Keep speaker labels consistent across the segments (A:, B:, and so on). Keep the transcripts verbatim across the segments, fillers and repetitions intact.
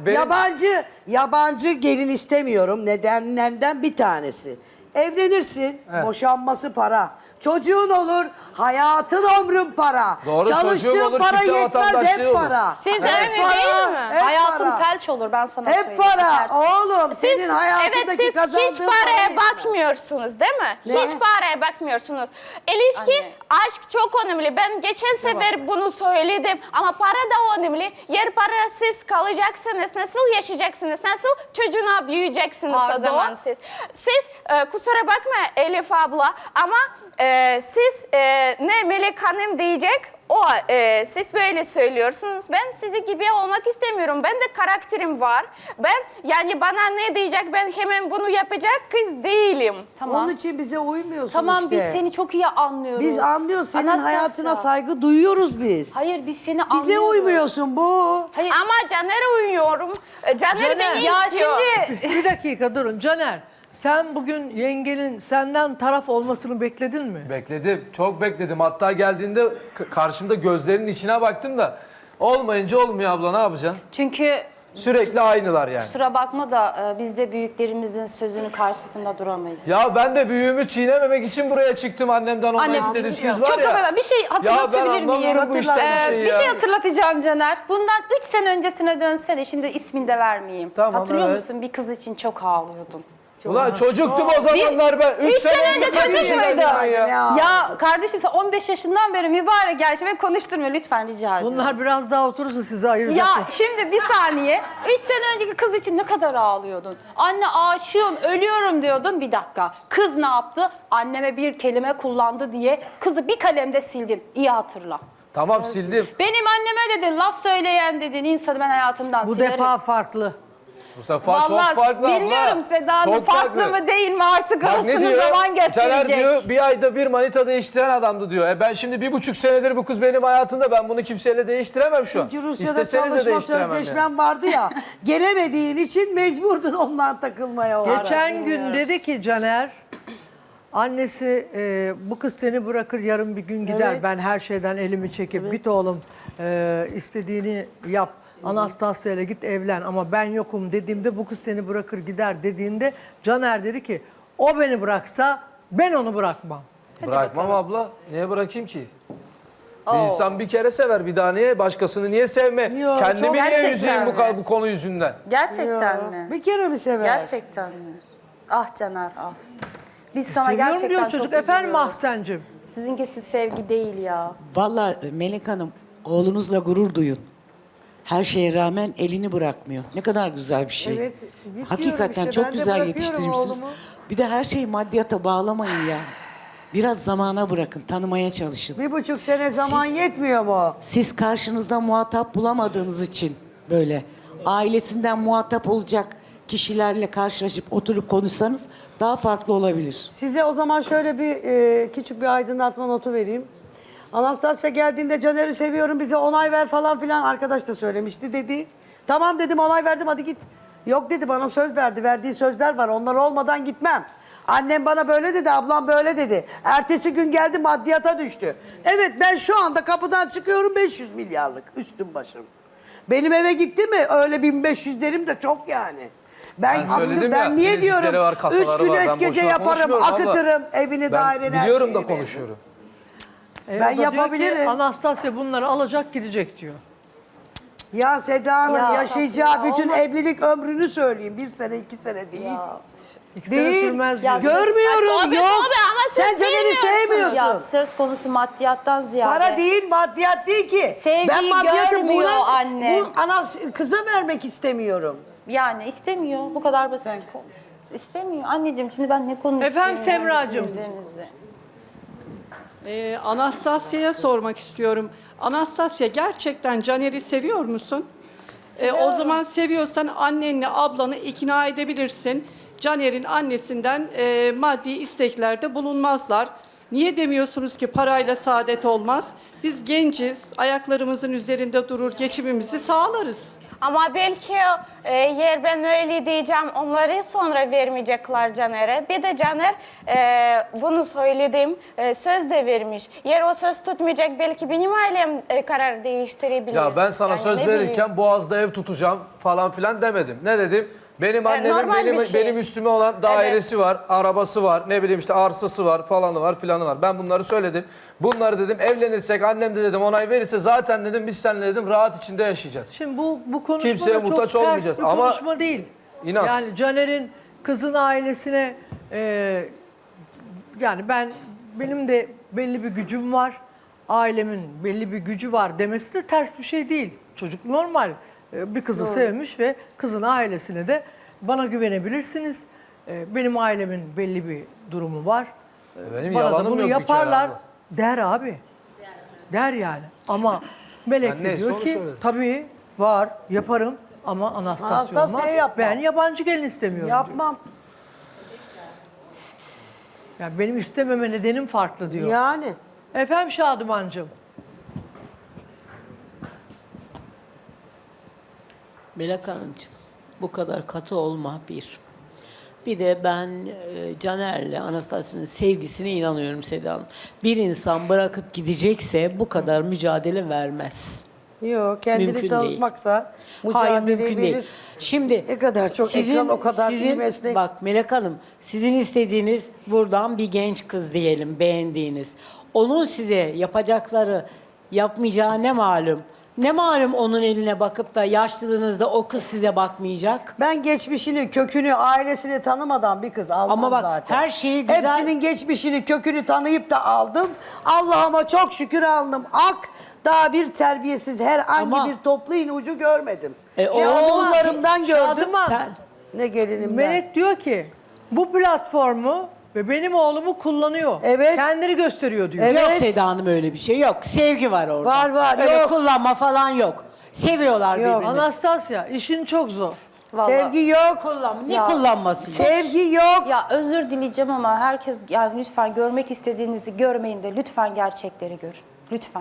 A: benim...
B: Yabancı, yabancı gelin istemiyorum. Nedenlerden bir tanesi. Evlenirsin,
A: Evet.
B: boşanması para. Çocuğun olur, hayatın ömrün para.
A: Doğru, çocuğum
B: Çalıştığın
A: olur,
B: para
A: çifte
B: yetmez,
A: vatandaşlığı
B: hep
A: olur.
B: para.
C: Siz de
B: Hep
C: öyle
B: para,
C: değil mi?
B: hep
D: Hayatın
B: para.
D: felç olur, ben sana
B: Hep
D: söyleyeyim.
B: para.
D: Bitersin.
B: Oğlum
C: Siz,
B: senin
C: evet
B: hayatındaki
C: siz
B: kazandığın
C: hiç paraya
B: parayı-
C: bakmıyorsunuz değil mi?
B: Ne?
C: Hiç paraya bakmıyorsunuz. İlişki,
D: Anne.
C: aşk çok önemli. Ben geçen sefer bunu söyledim ama para da önemli. Yer parasız kalacaksınız. Nasıl yaşayacaksınız? Nasıl çocuğuna büyüyeceksiniz
D: Pardon?
C: o zaman siz? Siz e, kusura bakma Elif abla ama e, siz e, ne Melek Hanım diyecek? O e, siz böyle söylüyorsunuz. Ben sizi gibi olmak istemiyorum. Ben de karakterim var. Ben yani bana ne diyecek ben hemen bunu yapacak kız değilim.
D: Tamam.
B: Onun için bize uymuyorsun
D: Tamam
B: işte.
D: biz seni çok iyi anlıyoruz.
B: Biz anlıyoruz. Senin
D: Anastasya.
B: hayatına saygı duyuyoruz biz.
D: Hayır biz seni anlıyoruz.
B: Bize uymuyorsun bu.
D: Hayır.
C: Ama Caner'e uyuyorum. E, Caner,
E: Caner,
C: beni
D: Ya
C: istiyor.
D: şimdi
E: Bir dakika durun Caner. Sen bugün yengenin senden taraf olmasını bekledin mi?
A: Bekledim, çok bekledim. Hatta geldiğinde k- karşımda gözlerinin içine baktım da olmayınca olmuyor abla, ne yapacaksın?
D: çünkü
A: Sürekli aynılar yani.
D: kusura bakma da e, biz de büyüklerimizin sözünün karşısında duramayız.
A: Ya ben de büyüğümü çiğnememek için buraya çıktım, annemden onay
D: Anne,
A: istedim. Siz var
D: çok
A: ya.
D: affedersin, bir şey hatırlatabilir
A: Ya ben
D: miyim?
A: anlamıyorum bu işten bir
D: Ee,
A: şey
D: bir
A: ya.
D: şey hatırlatacağım Caner. Bundan üç sene öncesine dönsene, şimdi ismini de vermeyeyim.
A: Tamam,
D: Hatırlıyor
A: evet.
D: musun? Bir kız için çok ağlıyordun.
A: Ulan çocuktum o zamanlar ben. Üç
D: üç sene
A: sene
D: önce
A: önce kaç
D: çocuk
A: yaşındaydın
D: muydun?
A: ben ya?
B: Ya.
D: Ya kardeşim sen on beş yaşından beri mübarek gerçi ve konuşturmuyor lütfen rica ediyorum.
E: Bunlar biraz daha oturursa sizi ayıracak.
D: Ya şimdi bir saniye. Üç sene önceki kız için ne kadar ağlıyordun? Anne aşığım, ölüyorum diyordun. Bir dakika. Kız ne yaptı? Anneme bir kelime kullandı diye kızı bir kalemde sildin. İyi hatırla.
A: Tamam, sildim.
D: Benim anneme dedin, laf söyleyen dedin, insanı ben hayatımdan
E: Bu
D: silerim.
E: defa farklı.
A: Bu sefer
D: Vallahi
A: çok farklı abla.
D: bilmiyorum Seda Hanım,
A: Çok
D: farklı mı değil mi artık
A: Bak ne
D: orasını
A: diyor?
D: zaman
A: Caner
D: gösterecek.
A: diyor bir ayda bir manita değiştiren adamdı diyor. E ben şimdi bir buçuk senedir bu kız benim hayatımda, ben bunu kimseyle değiştiremem şu an.
B: Çünkü Rusya'da
A: İsteseniz de
B: çalışma
A: değiştiremem
B: sözleşmem
A: yani.
B: vardı ya. Gelemediğin için mecburdun ondan takılmaya o ara.
E: Geçen gün dedi ki Caner, annesi e, bu kız seni bırakır yarın bir gün gider.
B: Evet.
E: Ben her şeyden elimi çekip git oğlum e, istediğini yap. Anastasya ile git evlen ama ben yokum dediğimde bu kız seni bırakır gider dediğinde Caner dedi ki o beni bıraksa ben onu bırakmam.
A: Bırakmam abla. Niye bırakayım ki? Bir insan bir kere sever, bir daha niye? Başkasını niye sevme?
B: Yo,
A: Kendimi
B: çok
A: niye
D: gerçekten
A: üzeyim bu,
D: mi?
A: ka- bu konu yüzünden?
D: Gerçekten
B: Ya,
D: mi?
B: Bir kere mi sever?
D: Gerçekten mi? Ah Caner ah. Biz sana
E: Seviyorum
D: gerçekten
E: diyor
D: çok
E: çocuk. Efendim
D: üzülüyoruz.
E: Mahsen'cim.
D: Sizinkisi sevgi değil ya.
F: Vallahi Melek Hanım, oğlunuzla gurur duyun. Her şeye rağmen elini bırakmıyor. Ne kadar güzel bir şey.
B: Evet, bitiyorum
F: Hakikaten
B: işte.
F: çok
B: Ben de
F: güzel
B: bırakıyorum
F: yetiştirmişsiniz.
B: oğlumu.
F: Bir de her şeyi maddiyata bağlamayın ya. Biraz zamana bırakın, tanımaya çalışın.
B: Bir buçuk sene zaman
F: Siz-
B: yetmiyor mu?
F: Siz karşınızda muhatap bulamadığınız için böyle ailesinden muhatap olacak kişilerle karşılaşıp oturup konuşsanız daha farklı olabilir.
B: Size o zaman şöyle bir e, küçük bir aydınlatma notu vereyim. Anastasya geldiğinde Caner'i seviyorum bize onay ver falan filan arkadaş da söylemişti dedi. Tamam dedim, onay verdim, hadi git. Yok dedi, bana söz verdi, verdiği sözler var, onlar olmadan gitmem. Annem bana böyle dedi, ablam böyle dedi. Ertesi gün geldi, maddiyata düştü. Evet, ben şu anda kapıdan çıkıyorum beş yüz milyarlık üstüm başım. Benim eve gitti mi öyle bin beş yüz derim de çok yani. Ben,
A: Ben söyledim
B: aktım,
A: ya,
B: ben niye
A: bilezikleri
B: diyorum
A: var, kasaları
B: üç gün
A: var. Ben
B: üç gece
A: boşuna
B: yaparım,
A: konuşmuyorum abla.
B: akıtırım evini, daireni,
A: Ben
B: her
A: biliyorum da
B: şeyini.
A: konuşuyorum.
E: E,
B: Ben
E: o da diyor ki,
B: yapabilirim.
E: Anastasya bunları alacak gidecek diyor.
B: Ya Seda Hanım
D: Ya,
B: yaşayacağı
D: ya,
B: bütün
D: olmaz.
B: evlilik ömrünü söyleyeyim. Bir sene, iki sene değil.
E: İki sene
B: Değil.
E: sürmez
D: Ya,
E: diyor.
B: Görmüyorum,
C: Tabii,
B: yok.
C: tabii ama siz
B: Sen Caner'i
C: bilmiyorsunuz.
B: sevmiyorsun.
D: Ya söz konusu maddiyattan ziyade.
B: Para değil, maddiyat değil ki.
D: Sevgiyi görmüyor anne.
B: Bu anas kıza vermek istemiyorum.
D: Yani istemiyor. Bu kadar basit. İstemiyor. Anneciğim şimdi ben ne konuşuyorum?
E: Efendim Semracığım.
D: Üzerinize.
G: Ee, Anastasya'ya sormak istiyorum. Anastasya, gerçekten Caner'i seviyor musun? Ee, o zaman seviyorsan annenle ablanı ikna edebilirsin. Caner'in annesinden e, maddi isteklerde bulunmazlar. Niye demiyorsunuz ki parayla saadet olmaz? Biz genciz, ayaklarımızın üzerinde durur, geçimimizi sağlarız.
C: Ama belki e, yer ben öyle diyeceğim onları sonra vermeyecekler Caner'e. Bir de Caner e, bunu söyledim e, söz de vermiş. Yer o söz tutmayacak belki benim ailem e, karar değiştirebilir.
A: Ya ben sana
C: Yani
A: söz
C: ne
A: verirken
C: bileyim.
A: Boğaz'da ev tutacağım falan filan demedim. Ne dedim? Benim annemin
C: normal
A: benim,
C: bir şey.
A: benim üstüme olan dairesi var, arabası var, ne bileyim işte arsası var, falanı var, filanı var. Ben bunları söyledim. Bunları dedim evlenirsek annem de dedim onay verirse zaten dedim biz seninle dedim rahat içinde yaşayacağız.
E: Şimdi bu bu konuşma
A: Kimseye
E: da çok
A: muhtaç
E: ters
A: olmayacağız
E: bir
A: ama
E: konuşma değil.
A: inat.
E: Yani Caner'in kızın ailesine e, yani ben benim de belli bir gücüm var. Ailemin belli bir gücü var demesi de ters bir şey değil. Çocuk normal e, bir kızı sevmiş ve kızın ailesine de bana güvenebilirsiniz. E, benim ailemin belli bir durumu var. E,
A: Benim
E: bana da
A: yalanım
E: bunu
A: yok bir kere
E: yaparlar
A: abla.
E: der abi. Der yani. Ama Melek
A: Ben
E: de
A: neyse
E: diyor
A: onu
E: ki
A: söyledim.
E: tabii var yaparım ama Anastasya
B: Anastasya'ya
E: olmaz.
B: yapmam.
E: Ben yabancı gelin istemiyorum diyor.
B: Yapmam.
E: Yani benim istememe nedenim farklı diyor.
B: Yani.
E: Efendim Şadımancığım.
H: Melek Hanımcığım, bu kadar katı olma bir. Bir de ben e, Caner'le Anastasya'nın sevgisine inanıyorum Seda Hanım. Bir insan bırakıp gidecekse bu kadar mücadele vermez.
B: Yok kendini
H: Mümkün
B: tanıtmaksa
H: Hayır
B: mücadeleyi
H: mümkün
B: verir.
H: değil. Şimdi
B: Ne kadar çok ekran, o kadar iyi meslek.
H: Bak Melek Hanım, sizin istediğiniz buradan bir genç kız diyelim, beğendiğiniz. Onun size yapacakları, yapmayacağı ne malum? Ne malum onun eline bakıp da yaşlılığınızda o kız size bakmayacak?
B: Ben geçmişini, kökünü, ailesini tanımadan bir kız almam
H: Ama bak,
B: zaten.
H: her şeyi güzel-
B: Hepsinin geçmişini, kökünü tanıyıp da aldım. Allah'ıma çok şükür aldım. Ak, daha bir terbiyesiz herhangi
H: Ama-
B: bir toplu iğne ucu görmedim.
H: E,
B: ne
H: o-
B: oğullarımdan gördüm,
E: Şadıman.
H: Sen,
B: ne gelinimden.
E: Melek diyor ki bu platformu ve benim oğlumu kullanıyor.
B: Evet.
E: Kendini gösteriyor diyor.
B: Evet.
H: Yok Seda Hanım öyle bir şey yok. Sevgi var orada.
B: Var, var,
H: Öyle
B: yok.
H: kullanma falan yok. Seviyorlar
B: Yok.
H: birbirini.
E: Anastasya işin çok zor.
B: Sevgi yok.
H: Kullanma. Ne
B: Ya,
H: kullanması?
B: Sevgi yok.
D: Ya özür dileyeceğim ama herkes yani lütfen görmek istediğinizi görmeyin de lütfen gerçekleri görün. Lütfen.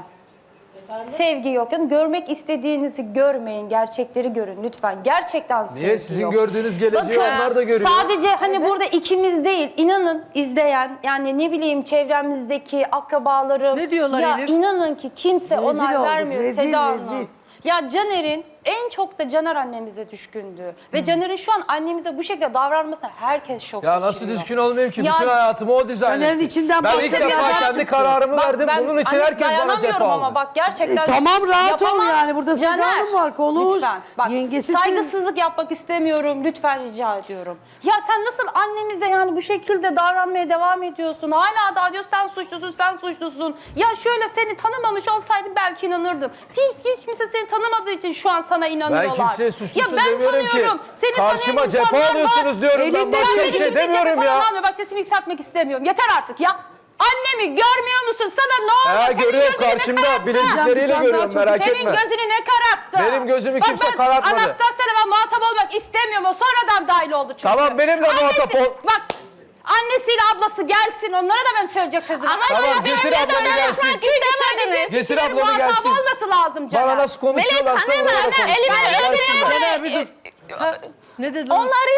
D: Sevgi yok. Yani görmek istediğinizi görmeyin, gerçekleri görün lütfen. Gerçekten sevgi
A: Niye? Sizin
D: yok.
A: gördüğünüz geleceği onlar da görüyor.
D: Sadece hani burada ikimiz değil, inanın izleyen yani ne bileyim çevremizdeki akrabalarım.
E: Ne diyorlar
D: ya
E: Elif?
D: inanın ki kimse
B: Rezil
D: onay
B: olduk,
D: vermiyor
B: rezil,
D: Seda Hanım.
B: rezil.
D: Ya Caner'in en çok da Caner annemize düşkündü. Ve Caner'in şu an annemize bu şekilde davranması herkes şok
A: Ya nasıl
D: geçiriyor.
A: düşkün olmayayım ki?
D: Ya-
A: Bütün hayatımı o dizayn
B: Caner'in
A: etti.
B: içinden
A: Ben
B: başka
A: ilk
B: bir
A: defa
B: adam
A: kendi
B: çıktı.
A: kararımı
D: Bak
A: verdim.
D: ben
A: Bunun için
D: hani
A: herkes bana cephe
D: dayanamıyorum
A: aldı.
D: ama bak gerçekten.
B: E, tamam, rahat ol
D: yapamam.
B: yani. Burada Seda
D: Caner,
B: Hanım var, konuş.
D: Lütfen. Bak,
B: Yengesisin.
D: saygısızlık yapmak istemiyorum. Lütfen rica ediyorum. Ya sen nasıl annemize yani bu şekilde davranmaya devam ediyorsun? Hala daha diyor sen suçlusun, sen suçlusun. Ya şöyle seni tanımamış olsaydım belki inanırdım. Hiç, hiç kimse seni tanımadığı için şu an sana inanıyorlar.
A: Ben kimseye suçlusun
D: ya ben
A: demiyorum ki.
D: tanıyorum. Seni
A: Karşıma
D: tanıyan
A: cephe
D: insanlar
A: alıyorsunuz
D: var.
A: diyorum ben.
B: Elinde
A: Başka
B: bir
A: bir şey
D: Kimse
A: demiyorum
D: cephe
A: ya.
D: falan almıyor. Bak sesimi yükseltmek istemiyorum. Yeter artık ya. Annemi görmüyor musun? Sana ne oluyor?
A: Ha,
D: Senin
A: görüyorum
D: gözünü ne
A: karşımda.
D: kararttı?
A: Bilezikleriyle
B: Bir tane daha
A: görüyorum
B: çocuk.
A: merak
D: Senin
A: etme.
D: gözünü ne kararttı?
A: Benim gözümü
D: Bak
A: kimse
D: ben
A: karartmadı.
D: Anastasya'yla ben muhatap olmak istemiyorum. O sonradan dahil oldu çünkü.
A: Tamam, benimle
D: Annesi-
A: muhatap ol.
D: Bak annesiyle ablası gelsin. Onlara da ben söyleyecek sözüm.
C: Ama
A: Tamam,
C: siz
A: getir
C: benimle
A: ablanı
C: de
A: gelsin.
C: konuşmak istemediniz.
A: Getir
D: Kişilerin
A: ablanı
D: muhatap
A: gelsin.
D: olması lazım Caner.
A: Bana nasıl konuşuyorlarsa
C: Melek
A: orada
C: Hanım, elime
A: konuşsunlar.
C: öpüyor.
A: Gelsinler.
E: Caner bir dur. Ha, ne dedin?
C: Onları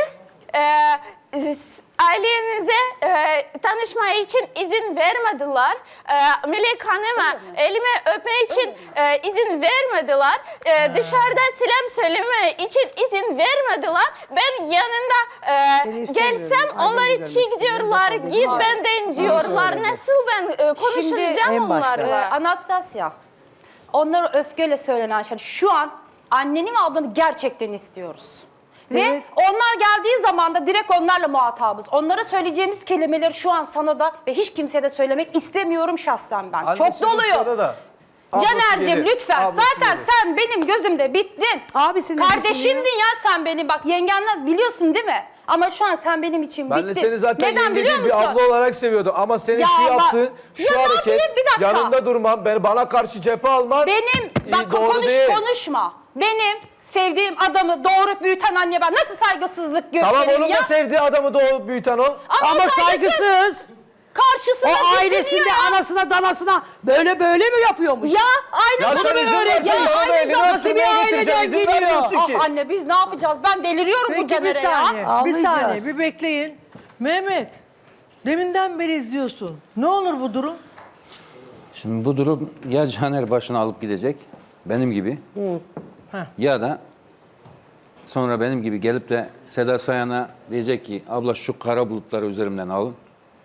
C: e, ailenize e, tanışmaya için izin vermediler. E, Melek Hanım'a elime öpme için e, izin vermediler. E, dışarıda selam söyleme için izin vermediler. Ben yanında
B: Seni
C: e,
B: istemiyorum.
C: gelsem
B: Aileni
C: onlar
B: görmek
C: çiğ
B: istemiyorum.
C: diyorlar.
B: Defol
C: Git
B: git.
C: benden diyorlar.
B: söyledi.
C: Nasıl ben e, konuşacağım
B: en başta.
D: Ee,
C: onlarla?
D: Anastasya, onlara öfkeyle söylenen şey. Şu an anneni ve ablanı gerçekten istiyoruz. Ve
B: Evet.
D: onlar geldiği zaman da direkt onlarla muhatabız. Onlara söyleyeceğimiz kelimeleri şu an sana da ve hiç kimseye de söylemek istemiyorum şahsen ben.
A: Annesi
D: Çok
A: bu sırada
D: doluyum.
A: da ablası
D: Caner'cim
A: gelir,
D: lütfen.
A: ablası
D: Zaten
A: gelir.
D: sen benim gözümde bittin.
B: Abisini
D: Kardeşimdin ya sen beni. Bak yengenler biliyorsun değil mi? Ama şu an sen benim için
A: Ben
D: bittin.
A: de seni zaten
D: Neden
A: yenge
D: biliyor
A: değil bir
D: musun?
A: abla olarak seviyordum. Ama senin
D: Ya
A: şu
D: bak-
A: yaptığın, şu
D: Ya ne
A: hareket,
D: yapayım? Bir dakika.
A: yanında durman, beni bana karşı cephe alman
D: Benim,
A: iyi,
D: bak
A: doğru
D: konuş
A: değil.
D: konuşma. Benim sevdiğim adamı doğurup büyüten anne ben nasıl saygısızlık gösteririm
A: Tamam onun
D: ya?
A: da sevdiği adamı doğup büyüten o.
B: Ama saygısız.
D: Karşısına
B: O
D: gitti
B: ailesinde
D: diyor ya.
B: anasına danasına böyle böyle mi yapıyormuş?
D: Ya aynı
A: Ya
D: bunu
A: sen
D: mu
A: izin
D: öğret-
A: versen
D: Ya
A: bana
D: aynı
A: elini
D: zamanda-
B: nasıl bir
A: öptürmeye
B: aileden
A: getireceğim, izin
B: geliyor?
A: vermiyorsun ki.
D: Ah anne biz ne yapacağız? Ben deliriyorum bu
E: Peki bir
D: Caner'e ya.
E: saniye, bir
B: Ağlayacağız.
E: saniye, bir bekleyin. Mehmet, deminden beri izliyorsun. Ne olur bu durum?
I: Şimdi bu durum ya Caner başını alıp gidecek benim gibi
E: Heh.
I: ya da sonra benim gibi gelip de Seda Sayan'a diyecek ki abla şu kara bulutları üzerimden alın.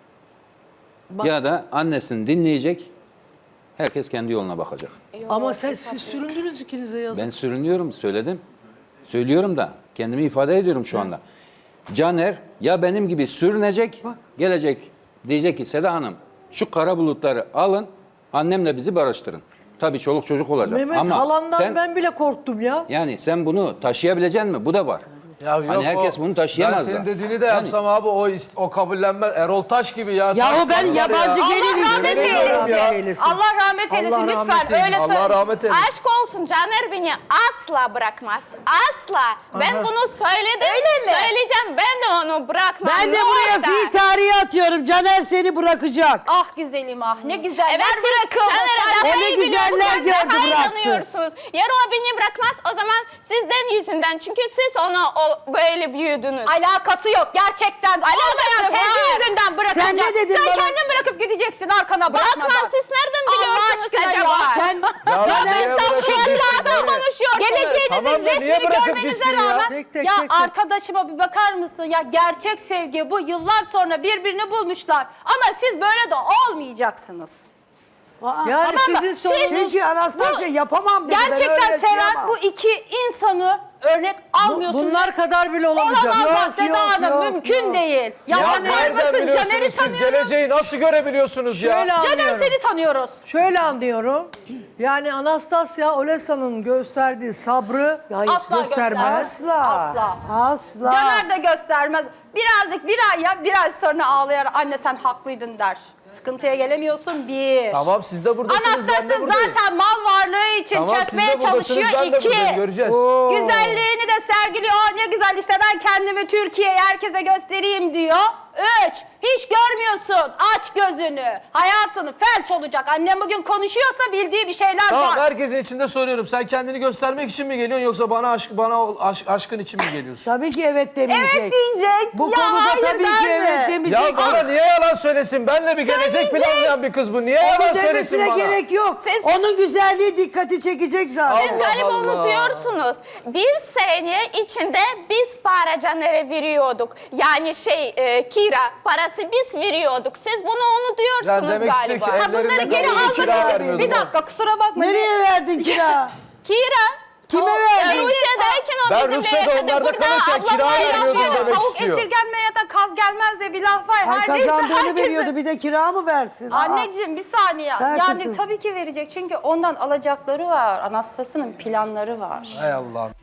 I: Ya da annesini dinleyecek, herkes kendi yoluna bakacak.
E: Ama sen, siz süründünüz ikinize yazık.
I: Ben sürünüyorum, söyledim. Söylüyorum da kendimi ifade ediyorum şu anda. Caner ya benim gibi sürünecek, gelecek diyecek ki Seda Hanım şu kara bulutları alın, annemle bizi barıştırın. Tabii çoluk çocuk olacak.
E: Mehmet
I: Ama
E: halandan
I: sen,
E: ben bile korktum ya.
I: yani sen bunu taşıyabilecek misin? Bu da var.
A: Ya yok,
I: hani herkes
A: o-
I: bunu taşıyamaz
A: Ben
I: da.
A: senin dediğini de
I: Yani-
A: yapsam abi o ist- o kabullenmez. Erol Taş gibi ya.
B: Yahu
A: Taş
B: ben
A: var
B: yabancı
A: ya.
B: gelin
D: Allah rahmet
A: Yemin ediyorum
D: eylesin.
A: ya.
E: eylesin.
D: Allah rahmet eylesin
E: Allah
D: lütfen
E: rahmet eylesin.
D: öyle
A: Allah
D: söyle.
A: rahmet eylesin.
C: Aşk olsun Caner beni asla bırakmaz. Asla. Ben
E: Aha.
C: bunu söyledim.
D: Öyle mi?
C: Söyleyeceğim ben de onu bırakmam.
B: Ben de
C: Ne
B: buraya
C: orada?
B: fi tarihi atıyorum. Caner seni bırakacak.
D: Ah güzelim ah ne güzel.
C: Evet
D: Ver
C: siz
D: bırakın.
C: Caner'e
B: O
C: daha
B: ne
C: iyi
B: güzeller
C: biliyorsunuz,
B: gördü,
C: daha iyi
B: bıraktı.
C: inanıyorsunuz. Yarın o beni bırakmaz o zaman sizden yüzünden. Çünkü siz onu o, böyle büyüdünüz.
D: Alakası yok gerçekten. Olmayan
C: var.
D: sevgi yüzünden bırakacak.
B: Sen ne dedin
D: Sen
B: bana?
D: kendin bırakıp gideceksin arkana bakmadan.
C: Bırakmaz siz nereden
D: Allah
C: biliyorsunuz
D: aşkına
C: acaba?
D: ya.
B: Sen
A: Ya
C: Caner
A: neye bırakıp gitsin,
C: estağfurullah
A: nereye?
C: konuşuyorsunuz.
D: Geleceğinizin
A: Tamam da niye
D: resmini
A: bırakıp
D: görmenize
A: gitsin ya?
D: rağmen
E: Tek tek
D: ya
E: tek tek.
D: arkadaşıma bir bakar mısın ya gerçek sevgi bu yıllar sonra birbirini bulmuşlar ama siz böyle de olmayacaksınız.
B: Aa,
E: Yani
D: Tamam mı?
E: sizin
D: Siz-
E: sorunuz...
B: Çünkü Anastasya yapamam dedi. ben
D: Gerçekten
B: öyle
D: seven
B: yaşayamam.
D: bu iki insanı örnek
E: Bu-
D: almıyorsunuz.
E: bunlar kadar bile olamayacak.
D: Olamazlar
E: Yok,
D: Seda
E: yok,
D: Hanım
E: yok,
D: mümkün
E: yok.
D: değil. Ya,
A: Ya
D: bakar
A: nereden
D: mısın
A: biliyorsunuz
D: Caner'i
A: siz?
D: tanıyorum.
A: Geleceği nasıl görebiliyorsunuz ya?
E: Şöyle
D: Caner
E: anlıyorum.
D: seni tanıyoruz.
E: Şöyle anlıyorum. Yani Anastasya Olesa'nın gösterdiği sabrı
D: Asla
E: göstermez.
D: göstermez.
B: Asla.
D: Asla.
B: Asla.
D: Caner de göstermez. Birazcık bir ay ya bir ay sonra ağlayar anne sen haklıydın der. Sıkıntıya gelemiyorsun bir.
A: Tamam siz de buradasınız, ben
D: Anastasya
A: de buradayım.
D: zaten mal varlığı için
A: Tamam siz
D: çökmeye
A: de buradasınız,
D: çalışıyor
A: ben de
D: iki.
A: buradayım, göreceğiz.
D: Güzelliğini de sergiliyor. Aa, ne güzel işte ben kendimi Türkiye'ye herkese göstereyim diyor. Üç. Hiç görmüyorsun. Aç gözünü. Hayatını felç olacak. Annem bugün konuşuyorsa bildiği bir şeyler
A: Tamam
D: var.
A: herkesin içinde soruyorum. Sen kendini göstermek için mi geliyorsun yoksa bana aşk bana o aşk, aşkın için mi geliyorsun?
B: Tabii ki evet demeyecek.
D: Evet diyecek.
B: Bu
D: Ya
B: konuda
D: hayır
B: tabii ki
D: der mi?
B: evet demeyecek.
A: Ya bana niye yalan söylesin? Benle bir gelecek
D: Söyleyecek.
A: planlayan bir kız bu. Niye
B: Onu
A: yalan söylesin
B: demesine
A: bana?
B: gerek yok.
C: Siz-
B: Onun güzelliği dikkati çekecek zaten.
C: Siz
A: Allah
C: galiba
A: Allah.
C: unutuyorsunuz. Bir sene içinde biz para Caner'e veriyorduk. Yani şey e, kira parası biz veriyorduk. Siz bunu unutuyorsunuz
A: Yani demek istiyor
C: galiba.
A: ki
D: Ha, bunları
A: ellerinde
D: geri
A: kalıyor,
D: almak
A: kira
D: için.
A: vermiyordum.
D: Bir dakika kusura bakma.
B: Nereye verdin kira?
C: Kira.
B: Kime
C: O-
B: verdin?
C: Rusya'dayken o
A: Ben
C: bizimle
A: Rusya'da
C: yaşadı.
A: onlarda
C: Burada
A: kalırken
C: ablamla
A: kira
C: yaşıyor.
A: veriyordum demek
D: Tavuk
A: istiyor.
D: esirgenmeye ya da kaz gelmez diye bir laf var.
B: Ay
D: Her neyse
B: kazandığını
D: herkesin-
B: veriyordu bir de kira mı versin? Aa.
D: Anneciğim bir saniye.
B: Ver
D: yani
B: kızım.
D: tabii ki verecek çünkü ondan alacakları var. Anastasya'nın planları var.
A: Hay Allah'ım.